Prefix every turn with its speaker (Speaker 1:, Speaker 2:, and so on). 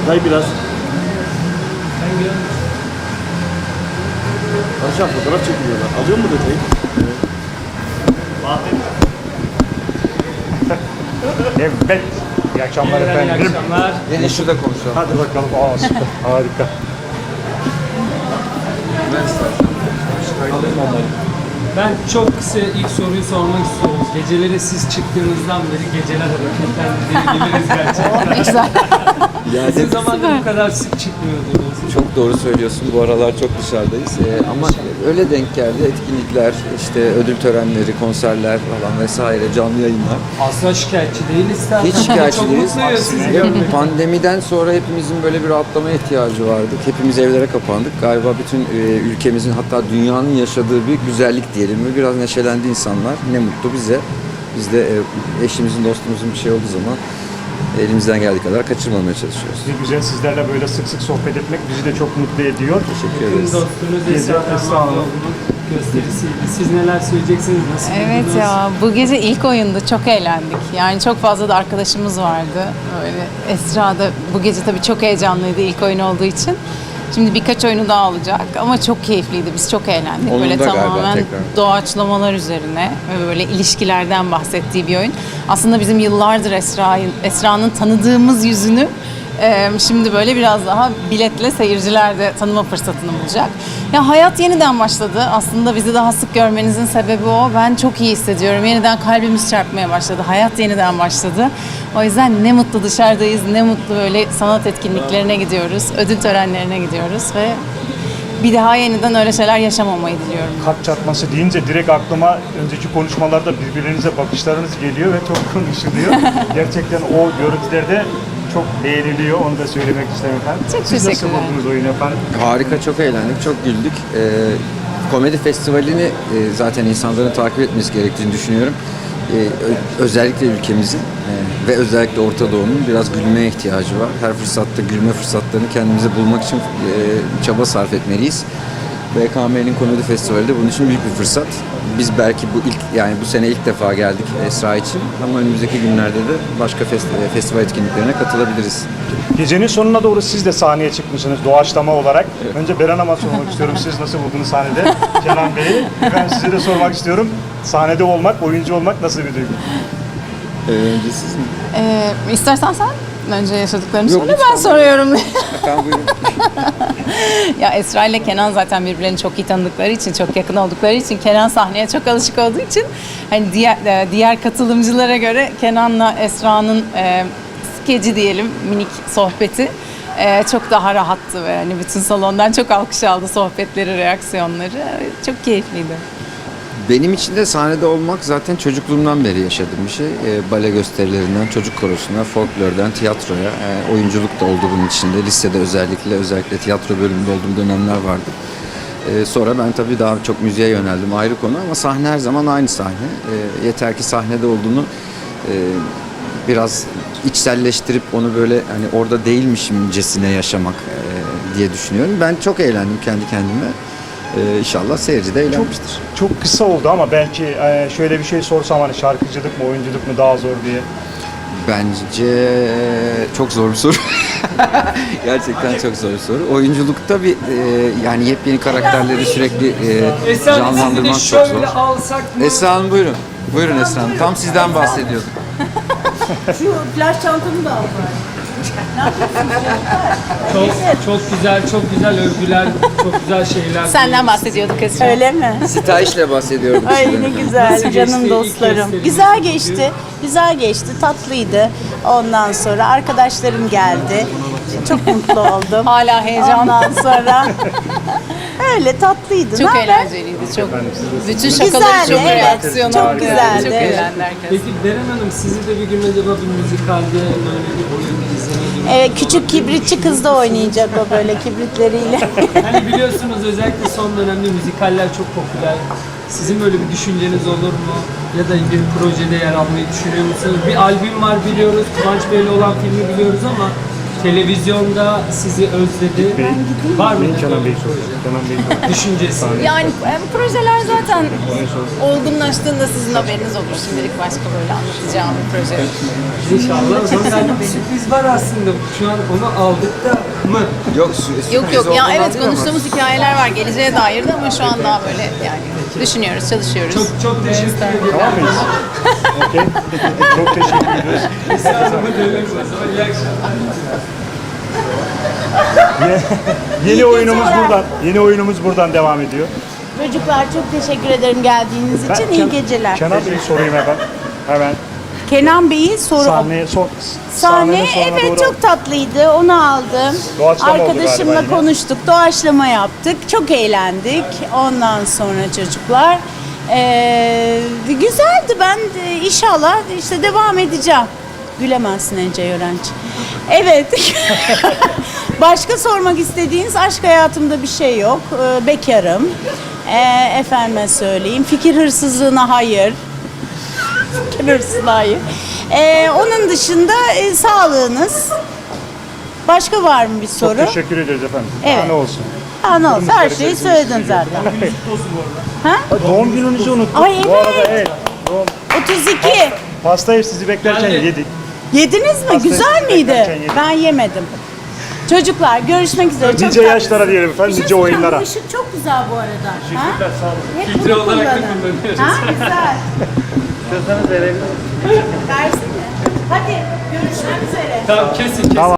Speaker 1: Detay biraz. Aşağı fotoğraf çekiliyorlar. Alıyor mu detayı?
Speaker 2: Evet. İyi akşamlar efendim.
Speaker 3: İyi akşamlar.
Speaker 4: Yine şurada konuşalım.
Speaker 2: Hadi bakalım. Aa süper. Harika.
Speaker 3: Ben çok kısa ilk soruyu sormak istiyorum. Geceleri siz çıktığınızdan beri geceler hareketlendi diyebiliriz gerçekten.
Speaker 5: Güzel.
Speaker 3: Sizin zamanında bu kadar sık çıkmıyordunuz.
Speaker 4: Çok doğru söylüyorsun. Bu aralar çok dışarıdayız. Ama öyle denk geldi. Etkinlikler, işte ödül törenleri, konserler falan vesaire, canlı yayınlar.
Speaker 3: Asla şikayetçi değiliz zaten.
Speaker 4: Hiç şikayetçi
Speaker 3: Çok
Speaker 4: değiliz.
Speaker 3: mutluyuz sizi
Speaker 4: Ya,
Speaker 3: görmek.
Speaker 4: pandemiden sonra hepimizin böyle bir rahatlama ihtiyacı vardı. Hepimiz evlere kapandık. Galiba bütün ülkemizin, hatta dünyanın yaşadığı bir güzellik diyelim mi? Biraz neşelendi insanlar. Ne mutlu bize. Biz de eşimizin, dostumuzun bir şey olduğu zaman elimizden geldiği kadar kaçırmamaya çalışıyoruz.
Speaker 2: Ne güzel sizlerle böyle sık sık sohbet etmek bizi de çok mutlu ediyor.
Speaker 4: Teşekkür
Speaker 3: Tüm
Speaker 4: ederiz.
Speaker 3: dostunuz
Speaker 2: Gece
Speaker 3: Esra
Speaker 2: Esra Hanım.
Speaker 3: Hanım'ın gösterisiydi. Siz neler söyleyeceksiniz? Nasıl
Speaker 5: Evet
Speaker 3: buldunuz?
Speaker 5: ya, bu gece ilk oyunda çok eğlendik. Yani çok fazla da arkadaşımız vardı. Öyle Esra da bu gece tabii çok heyecanlıydı ilk oyun olduğu için. Şimdi birkaç oyunu daha olacak ama çok keyifliydi. Biz çok eğlendik.
Speaker 4: Onun
Speaker 5: Böyle
Speaker 4: da galiba
Speaker 5: tamamen
Speaker 4: tekrar.
Speaker 5: doğaçlamalar üzerine ve böyle ilişkilerden bahsettiği bir oyun. Aslında bizim yıllardır Esra'nın tanıdığımız yüzünü şimdi böyle biraz daha biletle seyirciler de tanıma fırsatını bulacak. Ya hayat yeniden başladı. Aslında bizi daha sık görmenizin sebebi o. Ben çok iyi hissediyorum. Yeniden kalbimiz çarpmaya başladı. Hayat yeniden başladı. O yüzden ne mutlu dışarıdayız, ne mutlu böyle sanat etkinliklerine gidiyoruz, ödül törenlerine gidiyoruz ve bir daha yeniden öyle şeyler yaşamamayı diliyorum.
Speaker 2: Kalp çarpması deyince direkt aklıma önceki konuşmalarda birbirinize bakışlarınız geliyor ve çok konuşuluyor. Gerçekten o görüntülerde çok beğeniliyor. Onu da söylemek isterim efendim.
Speaker 5: Çok
Speaker 2: Siz nasıl
Speaker 5: teşekkürler.
Speaker 2: buldunuz oyunu efendim?
Speaker 4: Harika, çok eğlendik, çok güldük. Komedi festivalini zaten insanların takip etmesi gerektiğini düşünüyorum. Özellikle ülkemizin ve özellikle Orta Doğu'nun biraz gülmeye ihtiyacı var. Her fırsatta gülme fırsatlarını kendimize bulmak için çaba sarf etmeliyiz. BKM'nin komedi festivali de bunun için büyük bir fırsat. Biz belki bu sene ilk defa geldik Esra için ama önümüzdeki günlerde de başka festival etkinliklerine katılabiliriz.
Speaker 2: Gecenin sonuna doğru siz de sahneye çıkmışsınız doğaçlama olarak. Önce Beren Hanım'a sormak istiyorum. Siz nasıl buldunuz sahnede? Kenan Bey'i. Ben size de sormak istiyorum. Sahnede olmak, oyuncu olmak nasıl bir duygu?
Speaker 4: Önce siz mi?
Speaker 5: İstersen sen önce yaşadıklarını
Speaker 4: Yok,
Speaker 5: söyle,
Speaker 4: lütfen.
Speaker 5: ben soruyorum.
Speaker 4: Efendim buyurun.
Speaker 5: Ya Esra ile Kenan zaten birbirlerini çok iyi tanıdıkları için, çok yakın oldukları için, Kenan sahneye çok alışık olduğu için hani diğer katılımcılara göre Kenan'la Esra'nın skeci diyelim, minik sohbeti çok daha rahattı ve hani bütün salondan çok alkış aldı sohbetleri, reaksiyonları. Çok keyifliydi.
Speaker 4: Benim için de sahnede olmak zaten çocukluğumdan beri yaşadığım bir şey. Bale gösterilerinden, çocuk korosuna, folklordan tiyatroya, oyunculuk da oldu bunun içinde. Lisede özellikle tiyatro bölümünde olduğum dönemler vardı. Sonra ben tabii daha çok müziğe yöneldim, ayrı konu, ama sahne her zaman aynı sahne. Yeter ki sahnede olduğunu biraz içselleştirip onu böyle hani orada değilmişimcesine yaşamak diye düşünüyorum. Ben çok eğlendim kendi kendime. İnşallah seyirci de eğlenmiştir.
Speaker 2: Çok kısa oldu ama belki şöyle bir şey sorsam hani şarkıcılık mı, oyunculuk mu daha zor diye.
Speaker 4: Bence çok zor bir soru. Gerçekten çok zor bir soru. Oyunculukta yani yepyeni karakterleri sürekli
Speaker 3: Esra Hanım, sizi de
Speaker 4: canlandırmak çok zor.
Speaker 3: şöyle alsak mı?
Speaker 4: Esra Hanım buyurun. Buyurun Esra Hanım. Tam sizden bahsediyorduk.
Speaker 6: Şu flash çantamı da al bari.
Speaker 3: Çok güzel övgüler, çok güzel şeyler.
Speaker 5: Senden bahsediyorduk Esra.
Speaker 6: Öyle mi?
Speaker 4: Sitayiş'le bahsediyorduk.
Speaker 6: Ay
Speaker 4: sizden
Speaker 6: ne
Speaker 4: efendim.
Speaker 6: güzel
Speaker 3: Nasıl geçti
Speaker 6: canım
Speaker 3: ilk
Speaker 6: dostlarım.
Speaker 3: gösteriniz?
Speaker 6: Güzel geçti. Güzel geçti. Tatlıydı. Ondan sonra arkadaşlarım geldi. Çok mutlu oldum.
Speaker 5: Hala heyecan.
Speaker 6: Ondan sonra öyle tatlıydı.
Speaker 5: Çok
Speaker 6: Ne haber?
Speaker 5: eğlenceliydi. Çok. Bütün şakaları
Speaker 6: Güzeldi,
Speaker 5: çok
Speaker 6: evet.
Speaker 5: reaksiyonu.
Speaker 6: Çok güzeldi,
Speaker 5: Çok
Speaker 6: evet.
Speaker 5: eğlendi herkes.
Speaker 3: Peki Beren Hanım, sizi de bir gün acaba bir müzikalde böyle bir oyun izlemeyi
Speaker 6: Evet, küçük kibritçi kız da oynayacak o böyle kibritleriyle.
Speaker 3: Hani biliyorsunuz özellikle son dönemde müzikaller çok popüler. Sizin böyle bir düşünceniz olur mu? Ya da bir projede yer almayı düşünüyor musunuz? Bir albüm var biliyoruz, Kıvanç Bey'le olan filmi biliyoruz ama televizyonda sizi özledi. Var mı?
Speaker 2: Kenan Bey soruyor. Kenan Bey soruyor.
Speaker 3: Düşüncesi.
Speaker 5: Yani projeler zaten olgunlaştığında sizin haberiniz olur. Şimdilik başka böyle anlatacağım bir proje yok.
Speaker 3: İnşallah. Zaten bir sürpriz var aslında. Şu an onu aldık da mı?
Speaker 4: Yok,
Speaker 5: Yok ya evet konuştuğumuz hikayeler var geleceğe dair de ama şu an daha böyle yani düşünüyoruz, çalışıyoruz.
Speaker 3: Çok teşekkür ederim.
Speaker 2: Tamam mıyız? Okey. Çok teşekkür ediyoruz.
Speaker 3: Esra Hanım'a dönüyoruz o zaman. İyi akşamlar.
Speaker 2: Yeni oyunumuz buradan. Yeni oyunumuz buradan devam ediyor.
Speaker 6: Çocuklar çok teşekkür ederim geldiğiniz için. İyi geceler.
Speaker 2: Kenan Bey'i sorayım hemen.
Speaker 6: Kenan Bey'i soru
Speaker 2: Sahne
Speaker 6: Sahne evet çok tatlıydı. Onu aldım.
Speaker 2: Doğaçlama oldu
Speaker 6: Arkadaşımla
Speaker 2: galiba yine.
Speaker 6: konuştuk. Doğaçlama yaptık. Çok eğlendik. Ondan sonra çocuklar güzeldi. Ben de inşallah işte devam edeceğim. Gülemezsin Ece Yörenç. Evet. Başka sormak istediğiniz aşk hayatımda bir şey yok. Bekarım. Efendime söyleyeyim. Fikir hırsızlığına hayır. Fikir hırsızlığına hayır. Onun dışında sağlığınız. Başka var mı bir soru?
Speaker 2: Çok teşekkür ederiz efendim.
Speaker 6: Evet.
Speaker 2: Daha ne olsun.
Speaker 6: Ne olsun? Her şeyi söyledin zaten. Ha?
Speaker 2: Doğum gününüzü unuttuk.
Speaker 6: Ay,
Speaker 2: Bu arada
Speaker 6: evet.
Speaker 2: doğum
Speaker 6: 32.
Speaker 2: pastayı sizi beklerken yedik.
Speaker 6: Yediniz mi?
Speaker 2: Pastayı
Speaker 6: Güzel miydi?
Speaker 2: beklerken yedim.
Speaker 6: Ben yemedim. Çocuklar görüşmek üzere. Çok
Speaker 2: Nice
Speaker 6: tatlı.
Speaker 2: yaşlara diyelim efendim,
Speaker 6: Bir şey
Speaker 2: nice
Speaker 6: söyleyeceğim,
Speaker 2: oyunlara.
Speaker 6: bu ışık çok güzel bu arada. Teşekkürler,
Speaker 2: sağ olun.
Speaker 6: Hep
Speaker 3: Filtre
Speaker 6: bunu
Speaker 3: olarak da
Speaker 6: kullanın.
Speaker 3: kullanıyoruz.
Speaker 6: Ha, güzel. İstiyorsanız verebilirim. Versene. Hadi görüşmek üzere.
Speaker 3: Tamam kesin kesin.
Speaker 2: Tamam.